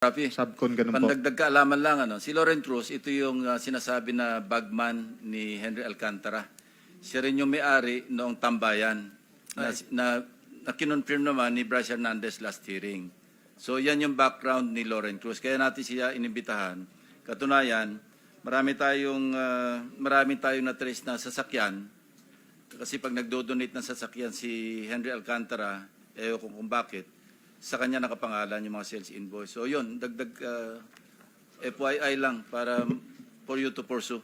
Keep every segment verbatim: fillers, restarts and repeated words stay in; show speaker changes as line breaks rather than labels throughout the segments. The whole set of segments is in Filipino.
Rafi,
Subcon, ganun po.
pandagdag kaalaman lang, ano, si Loren Cruz, ito yung uh, sinasabi na bagman ni Henry Alcantara. Siya rin yung may-ari noong tambayan na, na, na kinonfirm naman ni Bryce Hernandez last hearing. So yan yung background ni Loren Cruz. Kaya natin siya inimbitahan. Katunayan, marami tayong, uh, marami tayong na-trace na sasakyan. Kasi pag nagdo-donate ng sasakyan si Henry Alcantara, eh kung, kung bakit, sa kanya nakapangalan yung mga sales invoice. So yun, dagdag uh, F Y I lang para for you to pursue.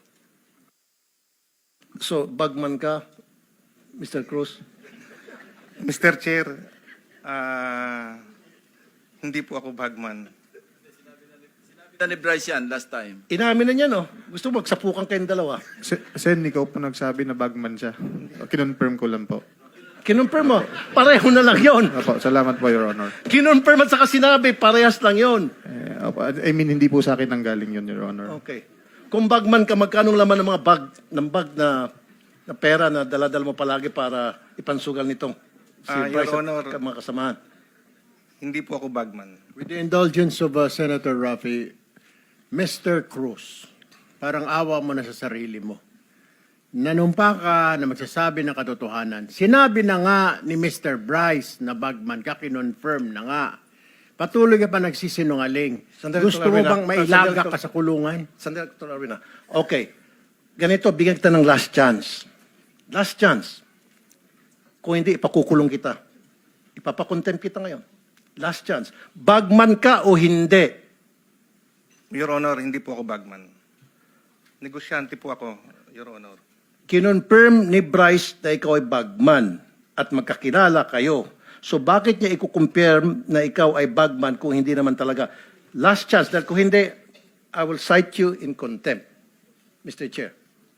So, bagman ka, Mister Cruz?
Mister Chair, ah, hindi po ako bagman.
Sinabi na ni Bryce yan last time.
Inamin na niya, no? Gusto mo magsapukan kayong dalawa.
Se- Sen, ikaw po nagsabi na bagman siya. Kinonfirm ko lang po.
Kinonfirm mo, pareho na lang yon.
Opo, salamat po, Your Honor.
Kinonfirm at saka sinabi, parehas lang yon.
Eh, opo, I mean, hindi po sa akin ang galing yun, Your Honor.
Okay. Kung bagman ka, magkanong laman ng mga bag, ng bag na, na pera na daladal mo palagi para ipansugal nitong si
Ah, Your
Bryce at
Honor.
ka- mga kasamahan?
Hindi po ako bagman.
With the indulgence of uh, Senator Rafi, Mister Cruz, parang awa mo na sa sarili mo. Nanumpa ka na magsasabi ng katotohanan. Sinabi na nga ni Mister Bryce na bagman ka, kinonfirm na nga. Patuloy ka pa nagsisinungaling.
Sandali,
Gusto
Doctor
mo
Arvina.
bang mailaga
Sandali,
ka sa kulungan?
Sandali, Doctor Arvina. Okay. Ganito, bigyan kita ng last chance. Last chance. Kung hindi, ipakukulong kita. Ipapakontempt kita ngayon. Last chance. Bagman ka o hindi?
Your Honor, hindi po ako bagman. Negosyante po ako, Your Honor.
Kinonfirm ni Bryce na ikaw ay bagman at magkakilala kayo. So bakit niya i-confirm na ikaw ay bagman kung hindi naman talaga? Last chance. Dahil kung hindi, I will cite you in contempt, Mister Chair.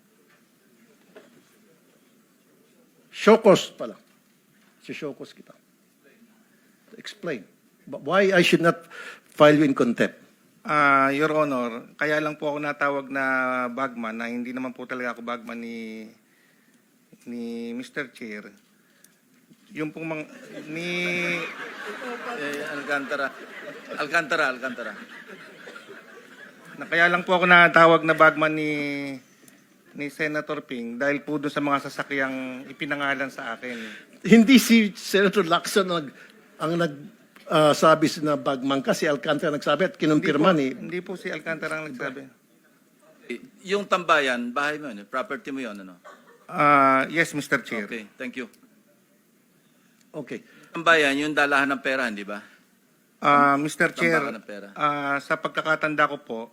Shokos pala. Si Shokos kita. Explain. But why I should not file you in contempt?
Ah, Your Honor, kaya lang po ako natawag na bagman na hindi naman po talaga ako bagman ni ni Mister Chair. Yung pong mga, ni
Eh, Alcantara. Alcantara, Alcantara.
na kaya lang po ako natawag na bagman ni ni Senator Ping dahil po doon sa mga sasakyang ipinangalan sa akin.
Hindi si Senator Lacson ang, ang nag ah, sabi na bagman ka, si Alcantara nagsabi at kinumpirma ni.
Hindi po, hindi po si Alcantara ang nagsabi.
Eh, Yung tambayan, bahay mo yun, eh, property mo yun, ano?
Ah, yes, Mister Chair.
Okay, thank you.
Okay.
Tambayan, yung dalahan ng pera, hindi ba?
Ah, Mister Chair,
Tambakan ng pera.
ah, sa pagkakatanda ko po,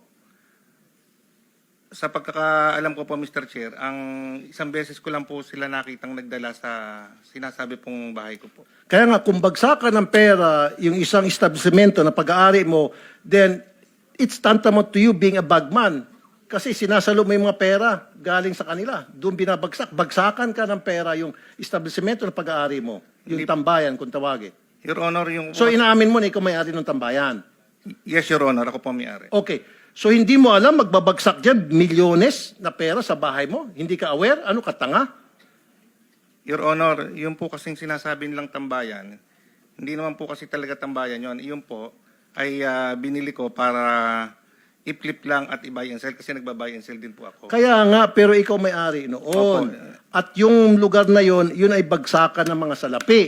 sa pagkakaalam ko po, Mister Chair, ang isang beses ko lang po sila nakitang nagdala sa sinasabi pong bahay ko po.
Kaya nga, kung bagsakan ng pera yung isang establishmento na pag-aari mo, then it's tantamount to you being a bagman. Kasi sinasalo mo yung mga pera galing sa kanila. Doon binabagsak. Bagsakan ka ng pera yung establishmento na pag-aari mo. Yung
Hindi-
tambayan, kung tawagin.
Your Honor, yung...
So, inaamin mo na ikaw may-ari ng tambayan.
yes, Your Honor, ako po may-ari.
Okay. So, hindi mo alam, magbabagsak dyan, milyones na pera sa bahay mo? Hindi ka aware? Ano ka, tanga?
Your Honor, yung po kasing sinasabi nilang tambayan, hindi naman po kasi talaga tambayan yon. Yun po ay ah, binili ko para i-flip lang at i-buy and sell kasi nagba-buy and sell din po ako.
Kaya nga, pero ikaw may-ari noon.
Opo.
At yung lugar na yon, yun ay bagsakan ng mga salapi.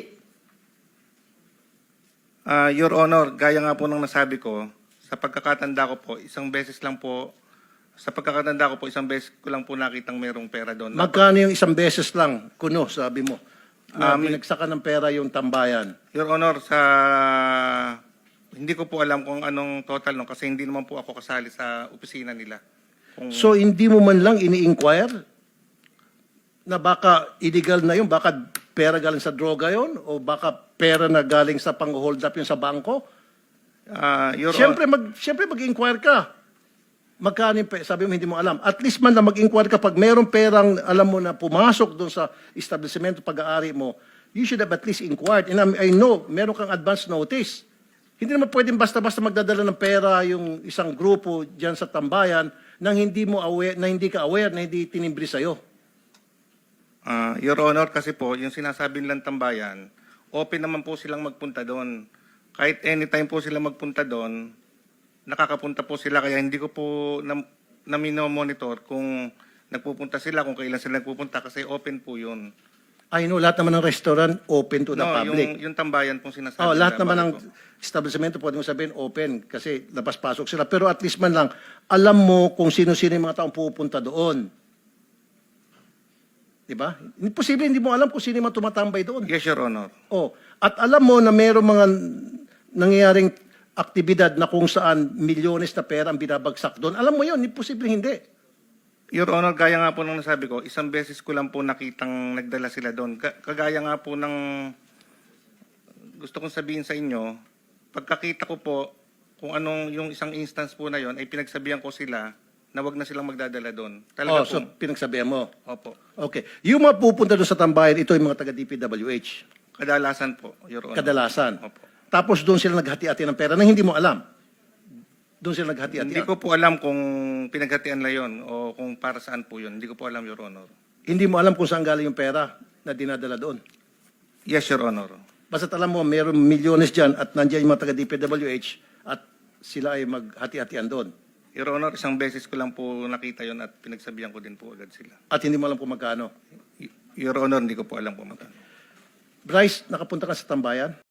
Ah, Your Honor, gaya nga po ng nasabi ko, sa pagkakatanda ko po, isang beses lang po, sa pagkakatanda ko po, isang beses ko lang po nakitang merong pera doon.
Magkano yung isang beses lang, kuno, sabi mo, na
Um,
binagsakan ng pera yung tambayan?
Your Honor, sa hindi ko po alam kung anong total no kasi hindi naman po ako kasali sa opisina nila. Kung,
So, hindi mo man lang ini-inquire na baka illegal na yun, baka pera galing sa droga yon o baka pera na galing sa pang-hold up yun sa bangko?
ah, Your
Siyempre, mag, siyempre mag-inquire ka. Magkano yung pe- sabi mo hindi mo alam. At least man na mag-inquire ka pag mayroong perang alam mo na pumasok doon sa establishment pag-aari mo, you should have at least inquired. And I I know, meron kang advance notice. Hindi naman pwedeng basta-basta magdadala ng pera yung isang grupo diyan sa tambayan nang hindi mo aware, na hindi ka aware, na hindi tinimbri sa'yo.
Ah, Your Honor, kasi po, yung sinasabi nilang tambayan, open naman po silang magpunta doon. Kahit anytime po sila magpunta doon, nakakapunta po sila kaya hindi ko po na, na monitor kung nagpupunta sila, kung kailan sila nagpupunta kasi open po yun.
I know, lahat naman ng restaurant open to the
No,
public.
yung, yung tambayan pong sinasabi.
Oh, lahat
na
naman ng
bago.
establishmento pwede mo sabihin open kasi labas-pasok sila. Pero at least man lang, alam mo kung sino-sino yung mga taong pupunta doon. Diba? Imposible hindi mo alam kung sino yung mga tumatambay doon.
Yes, Your Honor.
Oh, at alam mo na mayroong mga nangyayaring aktibidad na kung saan milyones na pera ang binabagsak doon. Alam mo yun, imposible hindi.
Your Honor, gaya nga po nung nasabi ko, isang beses ko lang po nakitang nagdala sila doon. Ka- Kagaya nga po ng gusto kong sabihin sa inyo, pagkakita ko po kung anong yung isang instance po na yon ay pinagsabihan ko sila na wag na silang magdadala doon.
Oh,
Talaga
so
po.
pinagsabihan mo.
Opo.
Okay. Yung mga pupunta doon sa tambayan, ito yung mga taga-D P W H.
Kadalasan po, Your Honor.
Kadalasan.
Opo.
Tapos doon sila naghati-hati ng pera na hindi mo alam. Doon sila naghati-hati.
Hindi ko po alam kung pinaghatian lang yun o kung para saan po yun. Hindi ko po alam, Your Honor.
Hindi mo alam kung saan galing yung pera na dinadala doon.
Yes, Your Honor.
Basta alam mo, mayroong milyones dyan at nandiyan yung mga taga-D P W H at sila ay maghati-hatian doon.
Your Honor, isang beses ko lang po nakita yon at pinagsabihan ko din po agad sila.
At hindi mo alam kung magkano.
Y- Your Honor, hindi ko po alam kung magkano.
Bryce, nakapunta ka sa tambayan?